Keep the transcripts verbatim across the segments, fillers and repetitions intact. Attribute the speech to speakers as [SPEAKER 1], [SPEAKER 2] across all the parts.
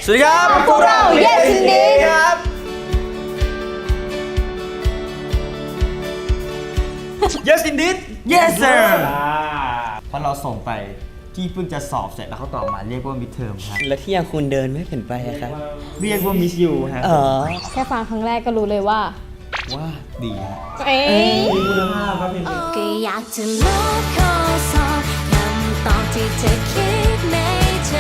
[SPEAKER 1] สวัสดีครับ
[SPEAKER 2] พวกเรา Yes Indeed
[SPEAKER 1] ครับ Yes Indeed Yes Sir เพราะเราส่งไปที่เพิ่งจะสอบเสร็จแล้วเขาตอบมาเรียกว่า midterm ครับ
[SPEAKER 3] แล้วที่ยังคุณเดินไม่เห็นไปอะครับ
[SPEAKER 1] เรียกว่า miss you ครับ
[SPEAKER 3] เออ
[SPEAKER 2] แค่ฟังครั้งแรกก็รู้เลยว่า
[SPEAKER 1] ว่าดีฮะ
[SPEAKER 2] เอ้ย
[SPEAKER 1] มีคุณภาพครับเพลงนี้
[SPEAKER 4] ก็อยากจะลบข้อสอบคำตอบที่เธอคิดในใจ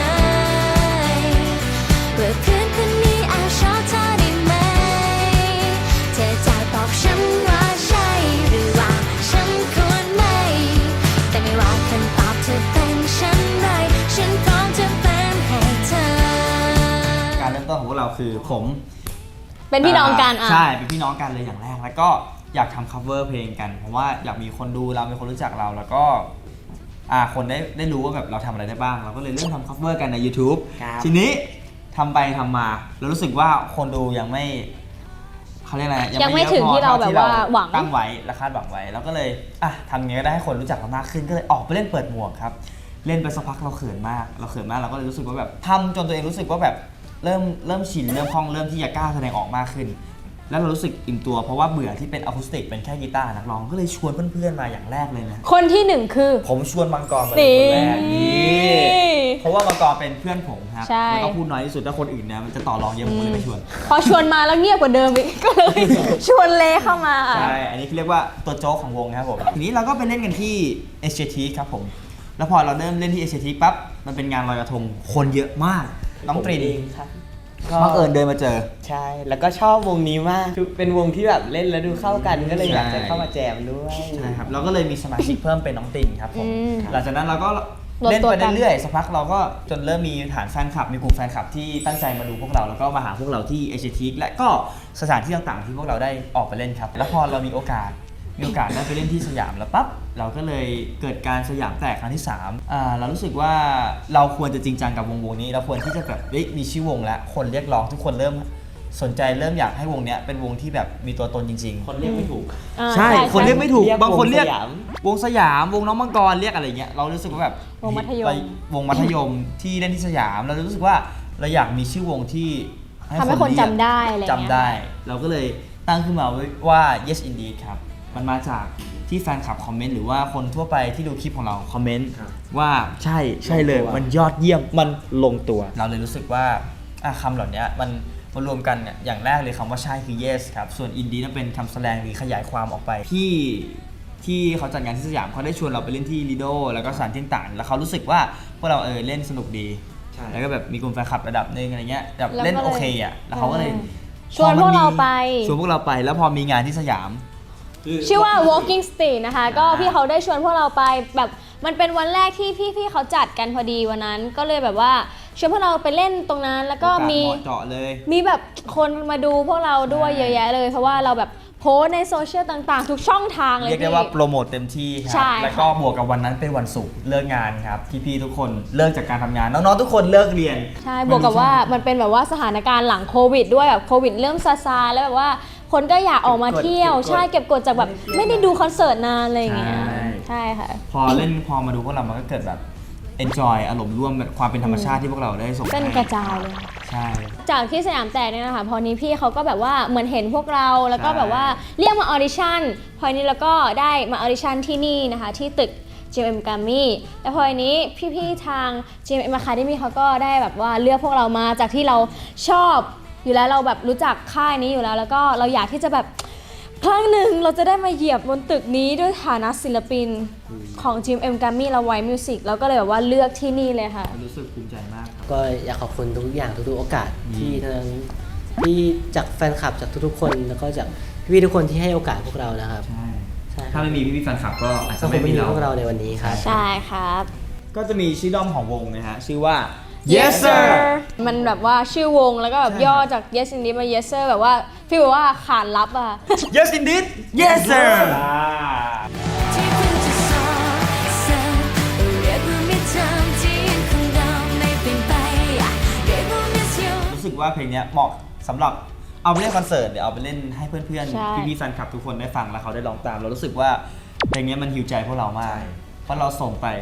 [SPEAKER 4] เพื่อเพื่อนคนนี้อาจชอบเธอได้ไหมเธอจะตอบฉันว่าใช่หรือว่าฉันควรไม่แต่ไม่ว่าคำตอบเธอเป็นฉันไรฉันพร้อมจะเป็นให้เธอ
[SPEAKER 1] การเริ่มต้นของพวกเราคือผม
[SPEAKER 2] เป็นพี่น้องกันอ่ะ
[SPEAKER 1] ใช่เป็นพี่น้องกันเลยอย่างแรกแล้วก็อยากทำ cover เพลงกันเพราะว่าอยากมีคนดูเรามีคนรู้จักเราแล้วก็อ่าคนได้ได้รู้ว่าแบบเราทำอะไรได้บ้างเราก็เลยเริ่มทำ cover กันใน YouTube
[SPEAKER 3] ครับ
[SPEAKER 1] ทีนี้ทำไปทำมาเรารู้สึกว่าคนดูยังไม่เขาเรียกอะไร
[SPEAKER 2] ยังไม่
[SPEAKER 1] เอะ
[SPEAKER 2] ถึง
[SPEAKER 1] พอ
[SPEAKER 2] ที่เรา
[SPEAKER 1] ท่
[SPEAKER 2] แบบว่าหวัง
[SPEAKER 1] ตั้งไว้และคาดหวังไว้เราก็เลยอ่ะทำยังไงก็ได้ให้คนรู้จักเรามากขึ้นก็เลยออกไปเล่นเปิดหมวกครับเล่นไปสักพักเราเขินมากเราเขินมากเราก็เลยรู้สึกว่าแบบทำจนตัวเองรู้สึกว่าแบบเริ่มเริ่มชินเริ่มคล่องเริ่มที่จะกล้าแสดงออกมากขึ้น แล้วเรารู้สึกอิ่มตัวเพราะว่าเบื่อที่เป็นอะคูสติกเป็นแค่กีตาร์นักร้องก็เลยชวนเพื่อนๆมาอย่างแรกเลยนะ
[SPEAKER 2] คนที่หนึ่งคือ
[SPEAKER 1] ผมชวนมังกรมาเป็นคนแรก
[SPEAKER 2] นี่
[SPEAKER 1] นี่เพราะว่ามังกรเป็นเพื่อนผมครับ
[SPEAKER 2] ใช่
[SPEAKER 1] แล้วก็พูดน้อยที่สุดถ้าคนอื่นนะมันจะต่อรองเยอะผมก็เลยไม่ชวน
[SPEAKER 2] พอชวนมาแล้วเงียบกว่าเดิมอีก ก็เลย ชวนเลเข้ามา
[SPEAKER 1] ใช่อันนี้เรียกว่าตัวโจ๊กของวงนะครับผมทีนี้เราก็ไปเล่นกันที่เอเชียทีครับผมแล้วพอเราเริ่มเล่นที่เอเชียทีปั๊บมันเป็นงานลอยกระทงคนเยอะมากน้องตรีน
[SPEAKER 3] เองครับ
[SPEAKER 1] บังเอิญเดินมาเจอ
[SPEAKER 3] ใช่ แล้วก็ชอบวงนี้มากคือเป็นวงที่แบบเล่นแล้วดูเข้ากันก็เลยอยากจะ
[SPEAKER 1] ใช่
[SPEAKER 3] เข้ามาแจมด้วย
[SPEAKER 1] ใช่ครับเราก็เลยมีสมาชิกเพิ่มเป็นน้องตินครับผม
[SPEAKER 2] อืม
[SPEAKER 1] หลังจากนั้นเราก็
[SPEAKER 2] รวม
[SPEAKER 1] เล่น
[SPEAKER 2] ตัว
[SPEAKER 1] ไป
[SPEAKER 2] กัน
[SPEAKER 1] เรื่อยๆสักพักเราก็จนเริ่มมีฐานแฟนคลับมีกลุ่มแฟนคลับที่ตั้งใจมาดูพวกเราแล้วก็มาหาพวกเราที่เอเชียทีและก็สถานที่ต่างๆที่พวกเราได้ออกไปเล่นครับแล้วพอเรามีโอกาสมีโอกาสได้ไปเล่นที่สยามแล้วปั๊บเราก็เลยเกิดการสยามแตกครั้งที่สามอ่าเรารู้สึกว่าเราควรจะจริงจังกับวงวงนี้เราควรที่จะแบบเฮ้ยมีชื่อวงแล้วคนเรียกร้องทุกคนเริ่มสนใจเริ่มอยากให้วงเนี้ยเป็นวงที่แบบมีตัวตนจริงๆ
[SPEAKER 3] คนเรียกไม่ถูก
[SPEAKER 2] อ่า
[SPEAKER 1] ใช่ คนเรียกไม่ถูก
[SPEAKER 3] เรียก
[SPEAKER 1] บางคนเรียก
[SPEAKER 3] วงสยาม
[SPEAKER 1] วงสยาม วงน้องมังกรเรียกอะไรเงี้ย เรารู้สึกว่าแบบ
[SPEAKER 2] วงมัธยม
[SPEAKER 1] เราวงมัธยมที่เล่นที่สยาม เรารู้สึกว่าเราอยากมีชื่อวงที่
[SPEAKER 2] ทำให้คน
[SPEAKER 1] เรียก
[SPEAKER 2] จำได้อะไรเงี้ย
[SPEAKER 1] จำได้ เราก็เลยตั้งขึ้นมาว่า Yes Indeed ครับ มันมาจากที่แฟนคลับคอมเมนต์หรือว่าคนทั่วไปที่ดูคลิปของเราคอมเมนต์ว่าใช่ใช่เลย มันยอดเยี่ยม มันลงตัว เราเลยรู้สึกว่าอ่ะคำเหล่านี้มันมารวมกันเนี่ยอย่างแรกเลยคำว่าใช่คือ yes ครับ ส่วน indie นั่นเป็นคำแสดงหรือขยายความออกไปที่ที่เขาจัดงานที่สยามเขาได้ชวนเราไปเล่นที่ลีโดแล้วก็สถานที่ต่างๆแล้วเขารู้สึกว่าพวกเราเออเล่นสนุกดีแล้วก็แบบมีกลุ่มแฟนคลับระดับหนึ่งอะไรเงี้ยแบบเล่นโอเคอ่ะแล้วเขาก็เลย
[SPEAKER 2] ชวนพวกเราไป
[SPEAKER 1] ชวนพวกเราไปแล้วพอมีงานที่สยาม
[SPEAKER 2] ชื่อว่า Walking Street นะคะ ก็พี่เขาได้ชวนพวกเราไปแบบมันเป็นวันแรกที่พี่ๆเขาจัดกันพอดีวันนั้น ก็เลยแบบว่าชวนพวกเราไปเล่นตรงนั้นแล้วก็มี
[SPEAKER 1] โอกาสเหมาะเจาะเลย
[SPEAKER 2] มีแบบคนมาดูพวกเราด้วย
[SPEAKER 1] ใช่
[SPEAKER 2] เยอะแยะเลย เพราะว่าเราแบบโพสต์ในโซเชียลต่างๆ ทุกช่องทางเลย
[SPEAKER 1] เรียกได้
[SPEAKER 2] พี่
[SPEAKER 1] ว่าโปรโมทเต็มที่ค
[SPEAKER 2] ใช่
[SPEAKER 1] รับ
[SPEAKER 2] ค่ะ
[SPEAKER 1] แล้วก็บวกกับวันนั้นเป็นวันศุกร์เลิกงานครับพี่ๆทุกคนเลิกจากการทำงานน้องๆทุกคนเลิกเรียน
[SPEAKER 2] ใช่บวกกับว่ามันเป็นแบบว่าสถานการณ์หลังโควิดด้วยแบบโควิดเริ่มซาซาๆแล้วแบบว่าคนก็อยากออกมาเที่ยว
[SPEAKER 1] เก็บกด
[SPEAKER 2] ใช่เก็บกดจากแบบไม่ได้ดูคอนเสิร์ตนานอะไรอย่างเงี้ย
[SPEAKER 1] ใช่
[SPEAKER 2] ใช่ค่ะ
[SPEAKER 1] พอเล่นพอมาดูพวกเรามันก็เกิดแบบ enjoy อารมณ์ร่วมแบบความเป็นธรรมชาติที่พวกเราได้ส่ง
[SPEAKER 2] เป็น
[SPEAKER 1] ให้
[SPEAKER 2] กระจายเลย
[SPEAKER 1] ใช่
[SPEAKER 2] จากที่สยามแตกเนี่ยนะคะพอนี้พี่เขาก็แบบว่าเหมือนเห็นพวกเราแล้วก็
[SPEAKER 1] ใช่
[SPEAKER 2] แบบว่าเรียกมาออดิชั่นพอนี้แล้วก็ได้มาออดิชั่นที่นี่นะคะที่ตึก จี เอ็ม Grammy แล้วพอนี้พี่ๆทาง จี เอ็ม Academy เขาก็ได้แบบว่าเลือกพวกเรามาจากที่เราชอบอยู่แล้วเราแบบรู้จักค่ายนี้อยู่แล้วแล้วก็เราอยากที่จะแบบครั้งหนึ่งเราจะได้มาเหยียบบนตึกนี้ด้วยฐานะศิลปินของ จี เอ็ม Grammy และ White Music เราก็เลยแบบว่าเลือกที่นี่เลยค่ะ
[SPEAKER 1] รู้สึกภูมิใจมากครับ
[SPEAKER 3] ก็อยากขอบคุณทุกอย่างทุกๆโอกาส
[SPEAKER 1] อืม
[SPEAKER 3] ที่ทั้งที่จากแฟนคลับจากทุกๆคนแล้วก็จากพี่ๆทุกคนที่ให้โอกาสพวกเรานะครับ
[SPEAKER 1] ใช่
[SPEAKER 3] ใช่
[SPEAKER 1] ถ้าไม่มีพี่ๆแฟนคลับก็อาจ
[SPEAKER 3] ก็
[SPEAKER 1] จะ
[SPEAKER 3] คง
[SPEAKER 1] ไม่
[SPEAKER 3] ไม่
[SPEAKER 1] มี
[SPEAKER 3] มี
[SPEAKER 1] เรา
[SPEAKER 3] พวกเราในวันนี้ครับ
[SPEAKER 2] ใช่ครับ
[SPEAKER 1] ก็จะมีชื่อด้อมของวงนะฮะชื่อว่า yes sir
[SPEAKER 2] มันแบบว่าชื่อวงแล้วก็แบบ
[SPEAKER 1] ใช่
[SPEAKER 2] ย่อจาก yes indeed มา yes sir แบบว่าฟีลแบบว่าขานรับอะ
[SPEAKER 1] yes indeed yes sir
[SPEAKER 4] ที่เพิ่งจะสอบเสร็จเรียกว่ามิดเทอมที่ของเราไม่เป็นไปเรียกว่า miss you
[SPEAKER 1] รู้สึกว่าเพลงเนี้ยเหมาะสำหรับเอาไปเล่นคอนเสิร์ตเดี๋ยวเอาไปเล่นให้เพื่อน
[SPEAKER 2] ใช่
[SPEAKER 1] ๆพี่ๆแฟนคลับทุกคนได้ฟังแล้วเขาได้ร้องตามเรารู้สึกว่าเพลงเนี้ยมันฮิวใจพวกเรามากเพราะเราส่งไป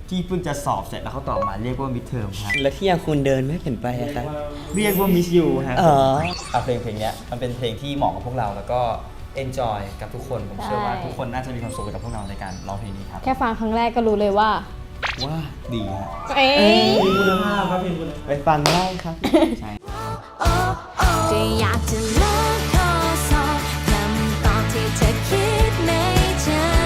[SPEAKER 1] ที่เพิ่งจะสอบเสร็จแล้วเขาตอบมาเรียกว่า midterm ครับ
[SPEAKER 5] แล้วที่ยังคุณเดินไม่เห็นไปอะครับ
[SPEAKER 1] เรียกว่า miss you ครับ
[SPEAKER 5] อ๋อ
[SPEAKER 1] เอาเพลงเพลงเนี้ยมันเป็นเพลงที่เหมาะกับพวกเราแล้วก็ enjoy กับทุกคนผมเชื่อว่า
[SPEAKER 2] ใช่
[SPEAKER 1] ทุกคนน่าจะมีความสุขกับพวกเราในการร้องเพลงนี้ครับ
[SPEAKER 2] แค่ฟังครั้งแรกก็รู้เลยว่า
[SPEAKER 1] ว่าดีฮะ
[SPEAKER 2] เอ๊ะ
[SPEAKER 1] คุณภาพครับเพลงคุณภาพ
[SPEAKER 5] ไปฟังได้ครับ
[SPEAKER 1] ใช่
[SPEAKER 4] ก็อยากจะลอกข้อสอบคำตอบที่เธอคิดในใจ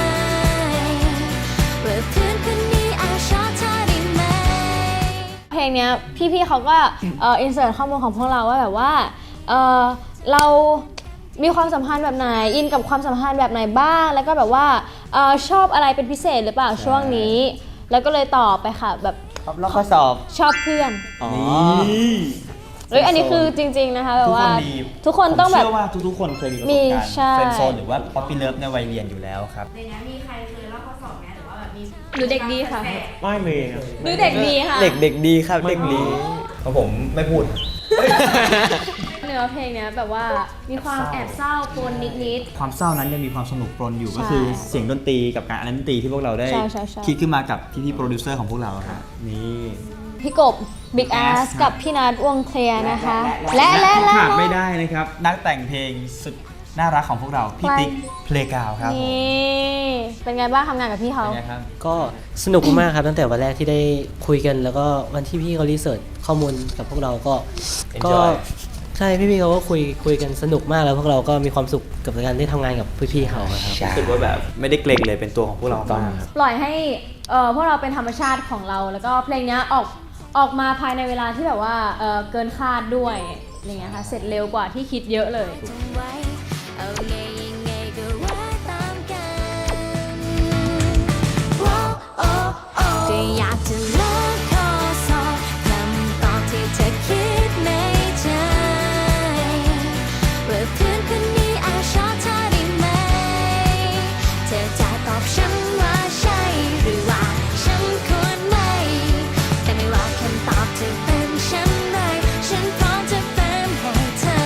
[SPEAKER 4] ว่าเพื่อนคนนี้อาจชอบเธอได้ไหม
[SPEAKER 2] เพลงเนี้ยพี่ๆเขาก็เอ่ออินเสิร์ตข้อมูลของพวกเราว่าแบบว่าเอ่อเรามีความสัมพันธ์แบบไหนอินกับความสัมพันธ์แบบไหนบ้าง แล้วก็แบบว่าเอ่อชอบอะไรเป็นพิเศษหรือเปล่าช่วงนี้ แล้วก็เลยตอบไปค่ะแบบ
[SPEAKER 5] ครับแล้วข้อสอบ
[SPEAKER 2] ชอบเพื่อน
[SPEAKER 5] อ๋อ
[SPEAKER 2] เอ้ยอันนี้คือจริงๆนะคะแบบ
[SPEAKER 1] ทุกค
[SPEAKER 2] ว่าน
[SPEAKER 1] มี
[SPEAKER 2] ทุกคนต้องแบบ
[SPEAKER 1] ผมเชื่อว่าทุกๆคนเคยมีประส
[SPEAKER 2] มี
[SPEAKER 1] บการณ์
[SPEAKER 2] ใช่
[SPEAKER 1] เฟรนด์โซนหรือว่าป๊อปปี้เลิฟในวัยเรียนอยู่แล้วครับ
[SPEAKER 6] ในนี้มีใครเคยลอกข้อสอบไหมหรือว่าแบบมี
[SPEAKER 2] หนูเด็กดีค่ะ
[SPEAKER 5] ไม่มีครับ
[SPEAKER 2] หนูเด็กดีค่ะ
[SPEAKER 5] เด็กเด็กดีครับเด็กดี
[SPEAKER 1] เพราะผมไม่พูด
[SPEAKER 2] เนื้อเพลงเนี้ยแบบว่ามีความแอบเศร้าปนนิด
[SPEAKER 1] ความเศร้านั้นยังมีความสนุกปนอยู่
[SPEAKER 2] ใช่
[SPEAKER 1] ก็คือเสียงดนตรีกับการอันดนตรีที่พวกเราได้
[SPEAKER 2] ใช่ใช่ใช่
[SPEAKER 1] คิดขึ้นมากับพี่ๆโปรดิวเซอร์ของพวกเราครับนี่
[SPEAKER 2] ๆพี่กบ Big Ass
[SPEAKER 1] Ass
[SPEAKER 2] กับพี่นัทวงเคลียร์นะคะ และและ
[SPEAKER 1] ที่
[SPEAKER 2] และ
[SPEAKER 1] ขาดไม่ได้นะครับ นักแต่งเพลงสุดน่ารักของพวกเรา พี่
[SPEAKER 2] ใคร
[SPEAKER 1] ติ๊กเพลกาวครับผม
[SPEAKER 2] นี่เป็นไงบ้างทำงานกับพี่เขา
[SPEAKER 1] เป็นไงครับ
[SPEAKER 3] ก็สนุกมากครับตั้งแต่วันแรกที่ได้คุยกัน แล้วก็วันที่พี่เขารีเสิร์ชข้อมูลกับพวกเราก็ก็
[SPEAKER 1] Enjoy
[SPEAKER 3] ใช่พี่ๆเขาก็คุยคุยกันสนุกมากแล้วพวกเราก็มีความสุขกับการได้ทำงานกับพี่ๆเขาครับ
[SPEAKER 1] รู้สึกว่าแบบไม่ได้เกรงเลยเป็นตัวของพวกเรามาก
[SPEAKER 2] ปล่อยให้เอ่อพวกเราเป็นธรรมชาติของเรา แล้วก็เพลงเนี้ยออกออกมาภายในเวลาที่แบบว่าเอ่อเกินคาดด้วยอย่างเงี้ยค่ะเสร็จเร็วกว่าที่คิดเยอะเลย
[SPEAKER 4] จำไว้เอาไงยังไงก็ว่าตามกันโอ้โอ้โอ้ก็อยากจะลอกข้อสอบคำตอบที่เธอคิดในใจว่าเพื่อนคนนี้อาจชอบเธอได้ไหมเธอจะตอบฉันว่าใช่หรือว่าฉันควรไม่แต่ไม่ว่าคำตอบจะเป็นฉันใดฉันพร้อมจะเป็นให้เธอ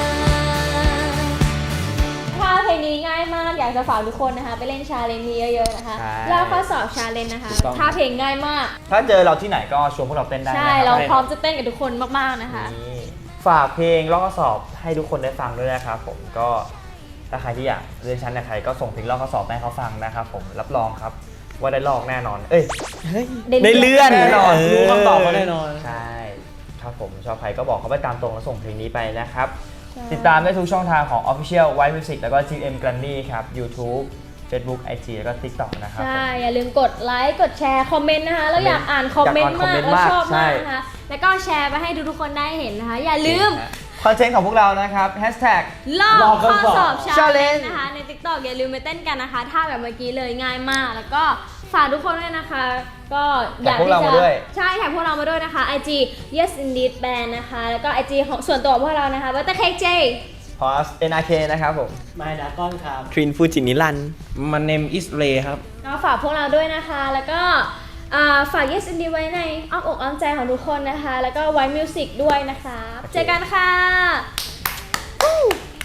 [SPEAKER 2] ถ้าเพลงนี้ง่ายมากอยากจะฝากทุกคนนะคะไปเล่นชาเลนจ์นี้เยอะๆนะคะ
[SPEAKER 1] ใช่
[SPEAKER 2] แล้วข้อสอบชาเลนจ์นะคะ
[SPEAKER 1] ถูกต้อง
[SPEAKER 2] ถ้าเพลงง่ายมาก
[SPEAKER 1] ถ้าเจอเราที่ไหนก็ชวนพวกเราเต้นได้นะ
[SPEAKER 2] ใช่
[SPEAKER 1] คบ
[SPEAKER 2] เราพร้อมจะเต้นกับทุกคนมากๆนะคะ
[SPEAKER 1] นี่ฝากเพลงลอกข้อสอบให้ทุกคนได้ฟังด้วยนะครับผมก็ถ้าใครที่อยากเรียนชั้นในใครก็ส่งเพลงลอกข้อสอบไปให้เขาฟังนะครับผมรับรองครับว่าได้ลอกแน่นอน เอ้ย
[SPEAKER 5] ได้เลื่อน
[SPEAKER 1] แน่นอน
[SPEAKER 5] เ
[SPEAKER 1] รู้คำตอบมาแน่นอนใช่ครับผมชอบใครก็บอกเขาไปตามตรงแล้วส่งเพลงนี้ไปนะครับ
[SPEAKER 2] ใช่
[SPEAKER 1] ติดตามได้ทุกช่องทางของ Official White Music แล้วก็ จี เอ็ม Grammy ครับ YouTube Facebook ไอ จี แล้วก็ TikTok นะครับ
[SPEAKER 2] ใช่ อย่าลืมกดไลค์ กดแชร์ คอมเมนต์นะคะ แล้วอยากอ่านคอมเมนต์
[SPEAKER 1] อยากอ่านคอม
[SPEAKER 2] มาก
[SPEAKER 1] เมนต์
[SPEAKER 2] แล้ว
[SPEAKER 1] มาก
[SPEAKER 2] ชอบ
[SPEAKER 1] ใช่
[SPEAKER 2] มากนะคะ แล้วก็แชร์ไปให้ทุกๆคนได้เห็นนะคะ อย่าลืม
[SPEAKER 1] คอนเทนต์ของพวกเรานะครับ Hashtag
[SPEAKER 2] ลอก
[SPEAKER 1] ลอกข้
[SPEAKER 2] ข้
[SPEAKER 1] อ
[SPEAKER 2] อ
[SPEAKER 1] สอบ
[SPEAKER 2] สอบชาเลน
[SPEAKER 1] Challenge
[SPEAKER 2] นะคะ ใน TikTok อย่าลืมไปเต้นกันนะคะท่าแบบเมื่อกี้เลยง่ายมาก แล้วก็ฝากทุกคนด้วยนะคะ ก็อยาก
[SPEAKER 1] แท็กพวก
[SPEAKER 2] ที่
[SPEAKER 1] เรา
[SPEAKER 2] จะ
[SPEAKER 1] มาด้วย
[SPEAKER 2] ใช่แท็กพวกเรามาด้วยนะคะ ไอ จี yes indeed band นะคะ แล้วก็ ไอ จี ของส่วนตัวของพวกเรานะคะ Butter Cake J
[SPEAKER 1] พอส เอ็น อาร์ เค นะครับผม
[SPEAKER 3] ไมดาก้อนครับ
[SPEAKER 5] ทรินฟูจินิรัน
[SPEAKER 7] มันเนมอิสเรครับ
[SPEAKER 2] ก็ฝากพวกเราด้วยนะคะ แล้วก็อ่าฝาก Yes Indie ไว้ในอ้อมอกอ้อมใจของทุกคนนะคะ แล้วก็ไว้ Music ด้วยนะคะ เจอกันค่ะ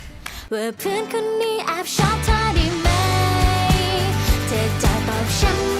[SPEAKER 4] ว่าเพื่อนคนนี้แอบชอบเธอได้ไหมเธอจะตอบฉัน